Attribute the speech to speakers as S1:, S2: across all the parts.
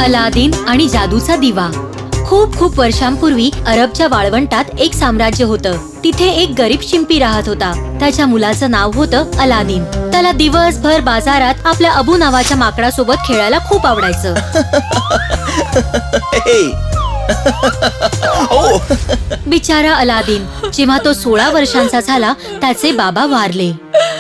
S1: Aladdin आणि जादूचा दिवा. खूप खूप वर्षांपूर्वी अरबच्या वाळवंटात एक साम्राज्य होतं. तिथे एक गरीब शिंपी राहत होता. त्याच्या मुलाचं नाव होतं अलादीन. त्याला दिवसभर बाजारात आपल्या अबू नावाच्या माकडासोबत खेळायला खूप आवडायचं. बिचारा अलादीन, जेव्हा तो 16 वर्षांचा झाला त्याचे बाबा वारले.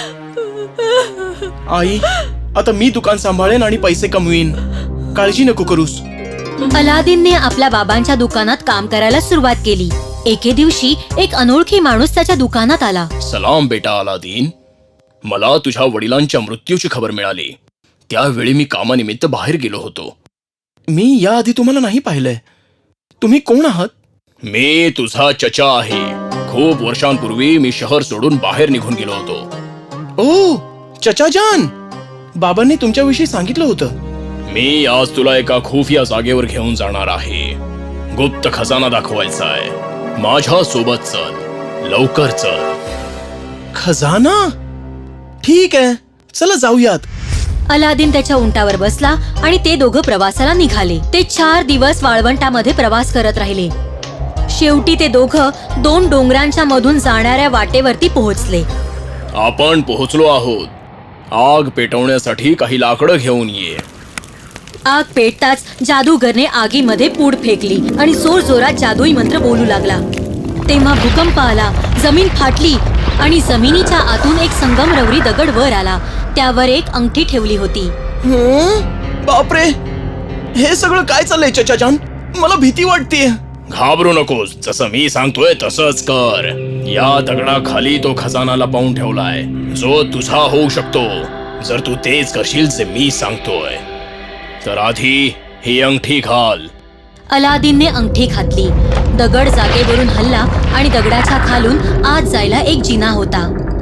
S2: आई, आता मी दुकान सांभाळेन आणि पैसे कमवीन. काळजी नको करूस.
S1: अलादीनने आपल्या बाबांच्या दुकानात काम करायला सुरुवात केली. एके दिवशी एक अनोळखी माणूस त्याच्या दुकानात आला.
S2: सलाम बेटा अलादीन. मला तुझ्या वडिलांच्या मृत्यूची खबर मिळाली. त्यावेळी मी कामानिमित्त बाहेर गेलो होतो. मी याआधी तुम्हाला नाही पाहिलंय. तुम्ही कोण आहात? मी तुझा चचा आहे. खूप वर्षांपूर्वी मी शहर सोडून बाहेर निघून गेलो होतो. ओ चचा जान, बाबांनी तुमच्याविषयी सांगितलं होतं. मी आज तुला एका खुफिया जागेवर घेऊन जाणार आहे. गुप्त खजाना दाखवायचा आहे. माझ्या सोबत चल, लवकर चल. खजाना? ठीक आहे, चला जाऊयात.
S1: अलादीन त्याच्या उंटावर बसला आणि ते दोघं प्रवासाला निघाले. ते 4 दिवस वाळवंटामध्ये प्रवास करत राहिले. शेवटी ते दोघं 2 डोंगरांच्या मधून जाणाऱ्या वाटेवरती पोहोचले.
S2: आपण पोहोचलो आहोत. आग पेटवण्यासाठी काही लाकडं घेऊन ये.
S1: आग पेटताच जादूगरने आगीमध्ये पूड फेकली आणि जोर जोरात जादुई मंत्र बोलू लागला. तेव्हा भूकंप आला, जमीन फाटली आणि जमिनीच्या आतून एक संगमरवरी दगड वर आला. त्यावर एक अंगठी ठेवली होती.
S2: बापरे, हे सगळं काय चाललंय चचा जान? मला भीती वाटते. घाबरू नकोस, जसं मी सांगतोय तसंच कर. या दगडाखाली तो खजाना लपवून ठेवलाय, जो तुझा होऊ शकतो जर तू तेच करशील जे मी सांगतोय. तर आधी ही अंगठी घाल.
S1: अलादीनने अंगठी घातली. दगड जागेवरून हलला आणि दगडाच्या खालून आत जायला एक जिना होता.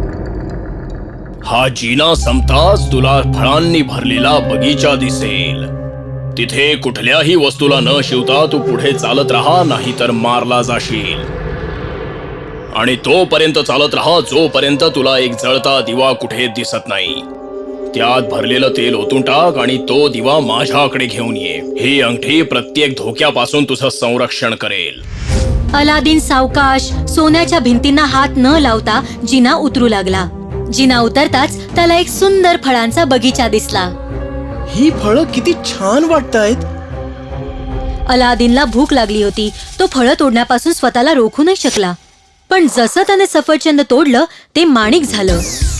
S2: हा जिना संपताच तुला फळांनी भरलेला बगीचा दिसेल. तिथे कुठल्याही वस्तूला न शिवता तू पुढे चालत राहा, नाहीतर मारला जाशील. आणि तोपर्यंत चालत राहा जोपर्यंत तुला एक जळता दिवा कुठे दिसत नाही. त्यात भरलेलं तेल ओतून टाक आणि तो दिवा माझ्याकडे घेऊन ये. ही अंगठी प्रत्येक धोक्यापासून तुझं संरक्षण करेल.
S1: अलादीन सावकाश सोन्याच्या भिंतींना हात न लावता जिना उतरू लागला. जिना उतरताच त्याला एक सुंदर फळांचा बगीचा दिसला.
S2: ही फळं किती छान वाटतायत.
S1: अलादीनला भूक लागली होती. तो फळं तोडण्यापासून स्वतःला रोखू नाही शकला. पण जसं त्याने सफरचंद तोडलं ते माणिक झालं.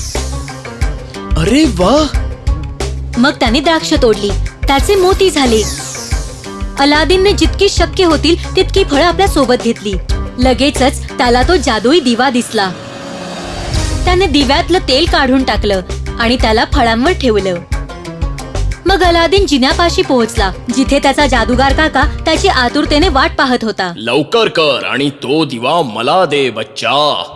S2: अरे वा.
S1: मग त्याने द्राक्ष तोडली, त्याचे मोती झाले. अलादीनने जितकी शक्य होतील तितकी फळं आपल्या सोबत घेतली. लगेचच त्याला तो जादुई दिवा दिसला. त्याने दिव्यातलं तेल काढून टाकलं आणि त्याला फळांवर ठेवलं. मग अलादीन जिन्यापाशी पोहोचला, जिथे त्याचा जादूगार काका त्याची आतुरतेने वाट पाहत होता.
S2: लवकर कर आणि तो दिवा मला दे बच्चा.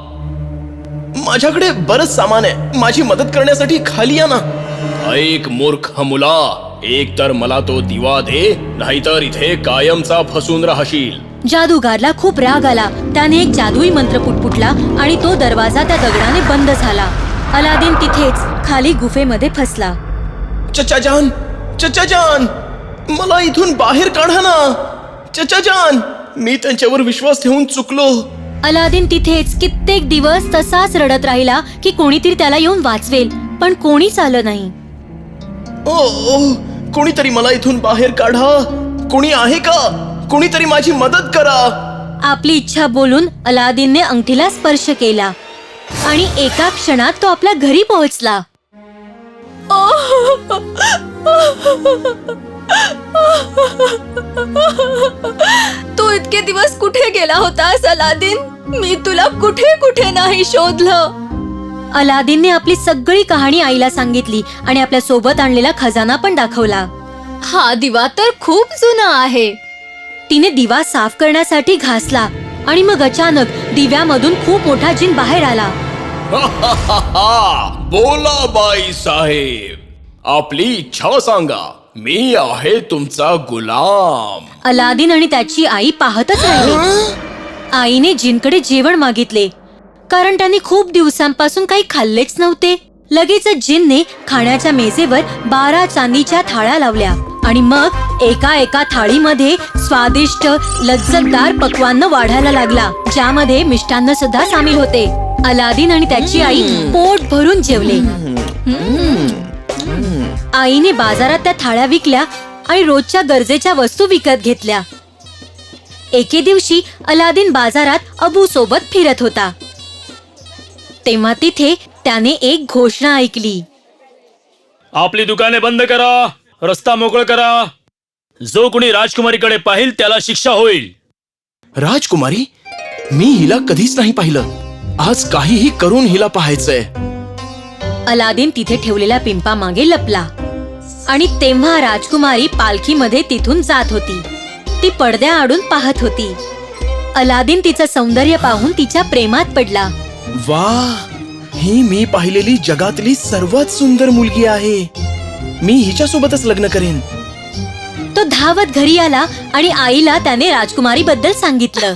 S2: माझ्याकडे बरंच सामान आहे. माझी मदत करण्यासाठी खाली या ना. ऐक मूर्ख मुला, एक तर मला तो दिवा दे, नाहीतर इथे कायमचा फसून राहशील.
S1: जादूगारला खूप राग आला. त्याने एक जादुई मंत्र पुटपुटला आणि तो दरवाजा त्या दगडाने बंद झाला. अलादीन तिथेच खाली गुफेमध्ये फसला.
S2: चचा जान, चचा जान, मला इथून बाहेर काढा ना. चचा जान, मी त्यांच्यावर विश्वास ठेवून चुकलो.
S1: अलादीन तिथेच कित्येक दिवस तसाच रडत राहिला की कोणीतरी त्याला येऊन वाचवेल, पण कोणीच आलं नाही.
S2: ओ, कोणीतरी मला इथून बाहेर काढा. कोणी आहे का? कोणीतरी माझी मदत करा.
S1: आपली इच्छा बोलून अलादीनने अंगठीला स्पर्श केला आणि एका क्षणात तो आपल्या घरी पोहोचला. तू इतके दिवस कुठे गेला होतास अलादीन? मी तुला कुठे कुठे नाही शोधलं. अलादीनने आपली सगळी कहाणी आईला सांगितली आणि आपल्या सोबत आणलेला खजाना पण दाखवला. हा दिवा तर खूप जुना आहे. तिने दिवा साफ करण्यासाठी घासला आणि मग अचानक दिव्यामधून खूप मोठा जिन बाहेर आला.
S2: बोला बाई साहेब, आपली इच्छा सांगा. मी आहे तुमचा गुलाम.
S1: अलादीन आणि त्याची आई पाहतच राहिले. आईने जिनकडे जेवण मागितले, कारण त्यांनी खूप दिवसांपासून काही खाल्लेच नव्हते. लगेचच जिनने खाण्याच्या मेजेवर 12 चांदीच्या थाळ्या लावल्या आणि मग एका एका थाळीमध्ये स्वादिष्ट लज्जतदार पक्वान्न वाढायला लागला, ज्यामध्ये मिष्टान्न सुद्धा सामील होते. अलादीन आणि त्याची आई पोट भरून जेवले. आईने बाजारात त्या थाळ्या विकल्या आणि रोजच्या गरजेच्या वस्तू विकत घेतल्या. एके दिवशी अलादीन बाजारात अबू सोबत फिरत होता. तेव्हा तिथे त्याने एक घोषणा ऐकली.
S3: आपली दुकाने बंद करा, रस्ता मोकळ करा. जो कोणी राजकुमारीकडे पाहिल त्याला शिक्षा होईल.
S2: राजकुमारी? मी हिला कधीच नाही पाहिलं. आज काहीही करून हिला पाहायचंय.
S1: अलादीन तिथे ठेवलेल्या पिंपामागे लपला आणि तेव्हा राजकुमारी पालखीमध्ये तिथून जात होती. ती पडद्याआडून पाहत होती. अलादीन तिचं सौंदर्य पाहून तिच्या प्रेमात पडला.
S2: वा, ही मी पाहिलेली जगातली सर्वात सुंदर मुलगी आहे. मी हिच्यासोबतच लग्न करेन.
S1: तो धावत घरी आला आणि आईला त्याने राजकुमारी बद्दल सांगितलं.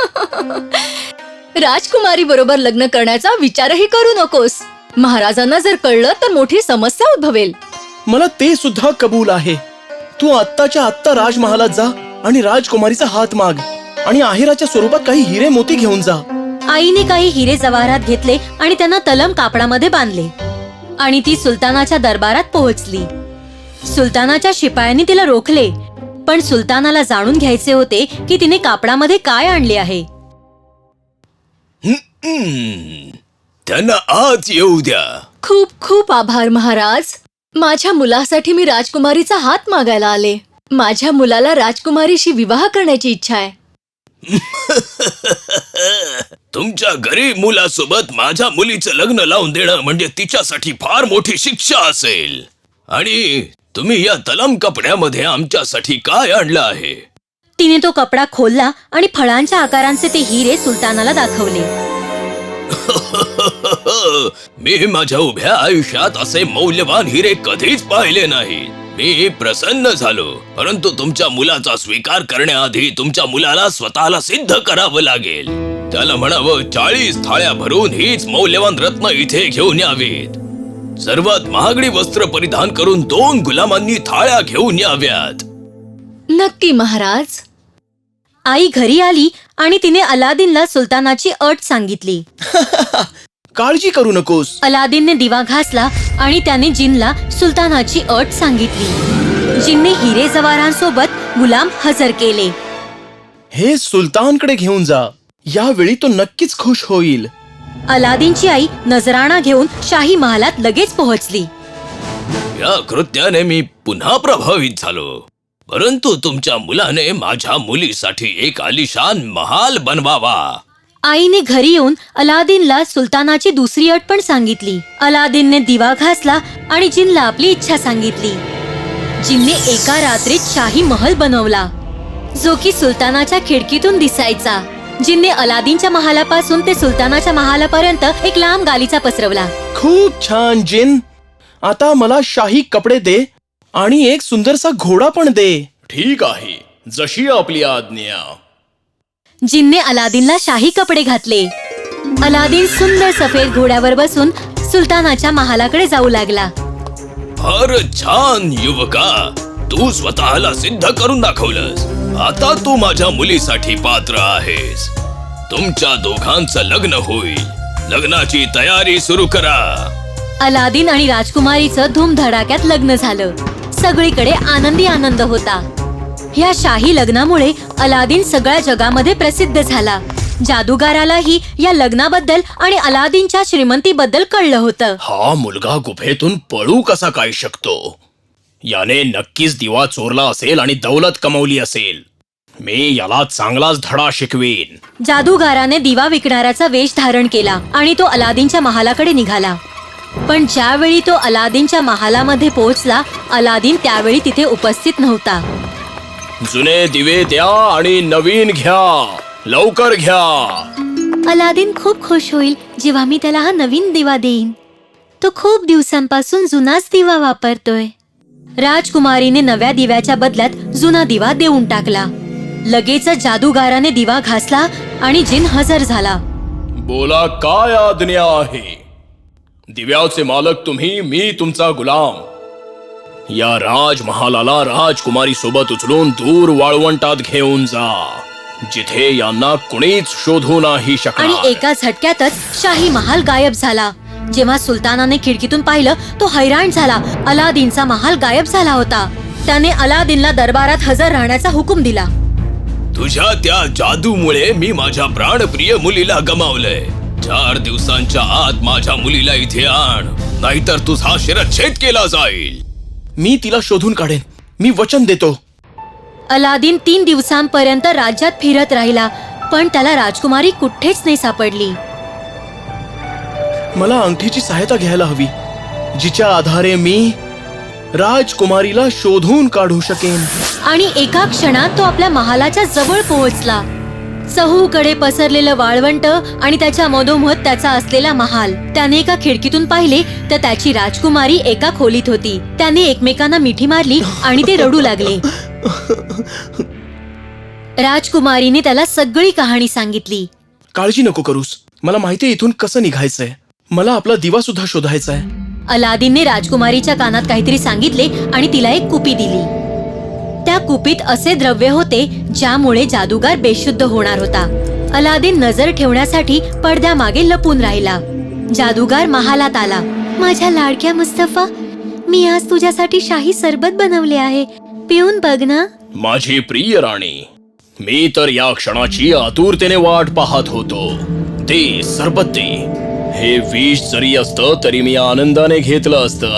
S4: राजकुमारी बरोबर लग्न करण्याचा विचारही करू नकोस. महाराजांना जर कळलं तर मोठी समस्या उद्भवेल.
S2: मला ते सुद्धा कबूल आहे. तू आत्ताच्या आत्ता राजमहालात जा आणि राजकुमारीचा हात माग आणि आहेराच्या स्वरूपात काही हिरे मोती घेऊन जा.
S1: आईने काही हिरे जवाहरात घेतले आणि त्यांना तलम कापडामध्ये बांधले आणि ती सुलतानाच्या दरबारात पोहोचली. सुलतानाच्या शिपायांनी तिला रोखले, पण सुलतानाला जाणून घ्यायचे होते की तिने कापडामध्ये काय आणले आहे.
S2: त्यांना आत येऊ द्या.
S4: खूप खूप आभार महाराज. माझ्या मुलासाठी मी राजकुमारीचा हात मागायला आले. माझ्या मुलाला राजकुमारीशी विवाह करण्याची इच्छा आहे.
S2: तुमच्या गरीब मुलासोबत माझ्या मुलीचं लग्न लावून देणं म्हणजे तिच्यासाठी फार मोठी शिक्षा असेल. आणि तुम्ही या तलम कपड्यामध्ये आमच्यासाठी काय आणलं आहे?
S1: तिने तो कपडा खोलला आणि फळांच्या आकारांचे ते हिरे सुलतानाला दाखवले.
S2: मी माझ्या उभ्या आयुष्यात असे मौल्यवान हिरे कधीच पाहिले नाहीत. मी प्रसन्न झालो, परंतु तुमच्या मुलाचा स्वीकार करण्याआधी तुमच्या मुलाला स्वतःला सिद्ध करावं लागेल. त्याला म्हणावं 40 थाळ्या भरून हीच मौल्यवान रत्न इथे घेऊन यावीत. सर्वात महागडी वस्त्र परिधान करून 2 गुलामांनी थाळ्या घेऊन याव्यात.
S4: नक्की महाराज.
S1: आई घरी आली आणि तिने अलादीनला सुलतानाची अट सांगितली.
S2: काळजी करू नकोस.
S1: अलादीनने दिवा घासला आणि त्याने जिनला सुलतानाची अट सांगितली. जिनने हिरे जवारांसोबत गुलाम हजर केले.
S2: हे सुलतानकडे घेऊन जा. यावेळी तो नक्कीच खुश होईल.
S1: अलादीनची आई नजराणा घेऊन शाही महालात लगेच पोहोचली.
S2: या कृत्याने मी पुन्हा प्रभावित झालो, परंतु तुमच्या मुलाने माझ्या मुलीसाठी एक आलिशान महाल बनवावा.
S1: आईने घरी येऊन अलादीनला सुलतानाची दुसरी अट पण सांगितली. अलादीनने दिवा घासला आणि जिनला आपली इच्छा सांगितली. जिनने एका रात्रीत शाही महल बनवला, जो की सुलतानाच्या खिडकीतून दिसायचा. जिनने अलादीनच्या महालापासून ते सुलतानाच्या महालापर्यंत एक लांब गालीचा पसरवला.
S2: खूप छान जिन. आता मला शाही कपडे दे आणि एक सुंदरसा घोडा पण दे. ठीक आहे, जशी आपली आज्ञा.
S1: जिनने अलादीनला शाही कपडे घातले. अलादीन सुंदर सफेद घोड्यावर बसून सुलतानाच्या महालाकडे जाऊ लागला.
S2: फारच छान युवका. तू स्वतःला सिद्ध करून दाखवलंस. आता तू माझ्या मुलीसाठी पात्र आहेस. तुमच्या दोघांचं लग्न होईल. लग्नाची तयारी सुरू करा.
S1: अलादीन आणि राजकुमारीचं धूमधडाक्यात लग्न झालं. सगळीकडे आनंदी आनंद होता. ह्या शाही लग्नामुळे अलादीन सगळ्या जगामध्ये प्रसिद्ध झाला. जादूगारालाही या लग्नाबद्दल आणि अलादीनच्या श्रीमंतीबद्दल कळलं होतं.
S2: हा मुलगा गुफेतून पळू कसा काय शकतो? याने नक्कीच दिवा चोरला असेल आणि दौलत कमवली असेल. मी याला चांगलाच धडा शिकवीन.
S1: जादूगाराने दिवा विकणाऱ्याचा वेश धारण केला आणि तो अलादीनच्या महालाकडे निघाला. पण ज्यावेळी तो अलादीनच्या महालामध्ये पोहोचला, अलादीन त्यावेळी तिथे उपस्थित नव्हता.
S2: जुने दिवे द्या आणि नवीन घ्या. लवकर घ्या.
S1: अलादीन खूप खुश होईल जेव्हा मी त्याला हा नवीन दिवा देईन. तो खूप दिवसांपासून जुनाच दिवा वापरतोय. राजकुमारीने नव्या दिव्याच्या बदल्यात जुना दिवा देऊन टाकला. लगेचच जादूगाराने दिवा घासला आणि जिन हजर झाला.
S2: बोला, काय आज्ञा आहे? दिव्याचे मालक तुम्ही, मी तुमचा गुलाम. या राजमहालाला राजकुमारी सोबत उचलून दूर वाळवंटात घेऊन जा, जिथे यांना कुणीच शोधू नाही
S1: आणि
S2: शकणार.
S1: एका झटक्यातच शाही महाल गायब झाला. जेव्हा सुलतानाने खिडकीतून पाहिलं तो हैराण झाला. अलादीनचा महाल गायब झाला होता. त्याने अलादीनला दरबारात हजर राहण्याचा हुकूम दिला.
S2: तुझ्या त्या जादूमुळे मी माझ्या प्राणप्रिय मुलीला गमावलंय. 4 दिवसांच्या आत माझ्या मुलीला इथे आण, नाहीतर तुझा शिरच्छेद केला जाईल. मी तिला शोधून काढेन, मी वचन देतो.
S1: अलादीन 3 दिवसांपर्यंत राज्यात फिरत राहिला, पण त्याला राजकुमारी कुठेच नाही सापडली.
S2: मला अंगठीची सहायता घ्यायला हवी, जिच्या आधारे मी राजकुमारीला शोधून काढू शकेन.
S1: आणि एका क्षणात तो आपल्या महालाच्या जवळ पोहोचला. चहूकडे पसरलेलं वाळवंट आणि त्याच्या मधोमध त्याचा असलेला महाल. त्याने एका खिडकीतून पाहिले तर त्याची राजकुमारी एका खोलीत होती. त्याने एकमेकांना मिठी मारली आणि ते रडू लागले. राजकुमारीने त्याला सगळी कहाणी सांगितली.
S2: काळजी नको करूस, मला माहितीये इथून कसं निघायचंय. मला आपला दिवा सुद्धा शोधायचा आहे.
S1: अलादीनने राजकुमारीच्या कानात काहीतरी सांगितले आणि तिला एक कुपी दिली. त्या कुपीत असे द्रव्य होते ज्यामुळे जादूगार बेशुद्ध होणार होता. अलादीन नजर ठेवण्यासाठी पडद्यामागे लपून राहिला. जादूगार महालात आला. माझ्या लाडक्या मुस्तफा, मी आज तुझ्यासाठी शाही सरबत बनवले आहे, पिऊन बघ ना.
S2: माझी प्रिय राणी, मी तर या क्षणाची आतुरतेने वाट पाहत होतो. ते सरबत दे. हे विष जरी असतं तरी मी आनंदाने घेतलं असतं.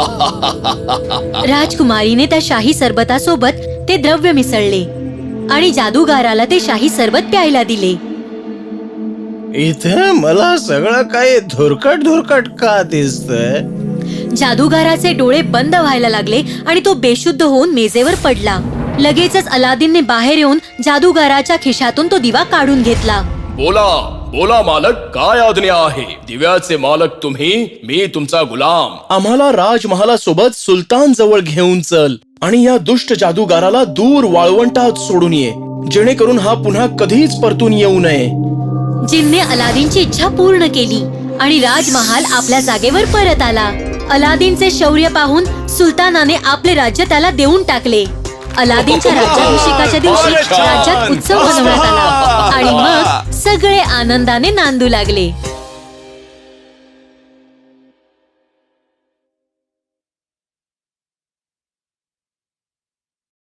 S1: राजकुमारीने त्या शाही सरबतासोबत ते द्रव्य मिसळले आणि जादूगाराला ते शाही सरबत प्यायला दिले.
S5: इथे मला सगळं काही धुरकट का दिसतंय?
S1: जादूगाराचे डोळे बंद व्हायला लागले आणि तो बेशुद्ध होऊन मेजेवर पडला. लगेचच अलादीनने बाहेर येऊन जादूगाराच्या खिशातून तो दिवा काढून घेतला.
S2: बोला बोला मालक, काय आज्ञा आहे? दिव्याचे मालक तुम्ही, मी तुमचा गुलाम. आम्हाला राजमहालासोबत सुलतान जवळ घेऊन चल आणि या दुष्ट जादूगाराला दूर वाळवंटात सोडून ये, जेणेकरून हा पुन्हा कधीच परतून येऊ नये.
S1: जिनने अलादीनची इच्छा पूर्ण केली आणि राजमहाल आपल्या जागेवर परत आला. अलादीनचे शौर्य पाहून सुलतानाने आपले राज्य त्याला देऊन टाकले. अलादीनच्या राज्याभिषेकाच्या दिवशी राज्यात उत्सव मनवण्यात आला आणि मग सगळे आनंदाने नांदू लागले.